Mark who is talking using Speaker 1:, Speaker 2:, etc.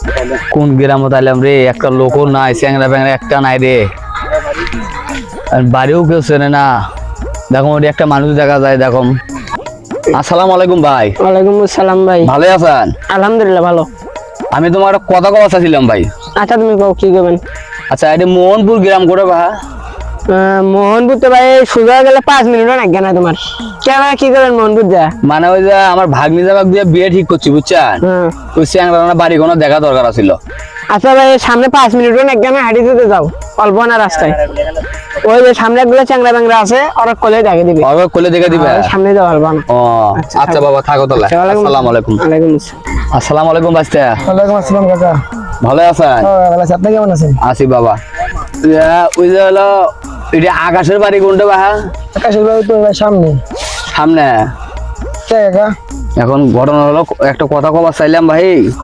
Speaker 1: কোন গ্রামত আইলাম রে, একটা লোকও নাই, চ্যাংরা ব্যাংরা একটা নাই রে, আর বাড়িও কেউ চেনে না। দেখো ওটি একটা মানুষ দেখা যায়। দেখো, আসসালামু আলাইকুম ভাই।
Speaker 2: ওয়ালাইকুম আসসালাম ভাই।
Speaker 1: ভালো আছেন?
Speaker 2: আলহামদুলিল্লাহ ভালো।
Speaker 1: আমি তোমার একটা কথা কওয়া চাইছিলাম ভাই।
Speaker 2: আচ্ছা তুমি কও কি করবেন?
Speaker 1: আচ্ছা, এটা মোহনপুর গ্রাম করে বা?
Speaker 2: মোহনপুর তো ভাই সোজা গেলে 5 মিনিটও লাগবে না তোমার। কেন কি করবেন মোহনপুর যা?
Speaker 1: মানে ওই যে আমার ভাগ্নি জামাক দিয়ে বিয়ে ঠিক করছি বুঝছেন, ওই চ্যাংরা বাড়ি কোনো দেখা দরকার ছিল।
Speaker 2: আচ্ছা ভাই সামনে 5 মিনিটও লাগবে না, হাঁটি দিতে যাও অল্প না রাস্তায়। ওই যে সামনে একগুলো চ্যাংরা ব্যাংরা আছে, ওরা কোলে দেখে দিবে।
Speaker 1: ওরা কোলে দেখে দিবে?
Speaker 2: সামনে যাও অল্প না।
Speaker 1: ও আচ্ছা বাবা, থাকো তাহলে। আসসালামু আলাইকুম।
Speaker 2: ওয়ালাইকুম আসসালাম।
Speaker 1: আসসালামু আলাইকুম বাস্তা।
Speaker 2: ওয়ালাইকুম আসসালাম কাকা।
Speaker 1: ভালো আছেন?
Speaker 2: ভালো আছি, আপনি কেমন আছেন?
Speaker 1: আছি বাবা। ওই যে হলো এটা আকাশের বাড়ি কোনটা বা?
Speaker 2: আকাশের বাড়ি তো সামনে।
Speaker 1: সামনে?
Speaker 2: কাকা
Speaker 1: এখন ঘটনা হলো, একটা কথা কবার চাইলাম ভাই।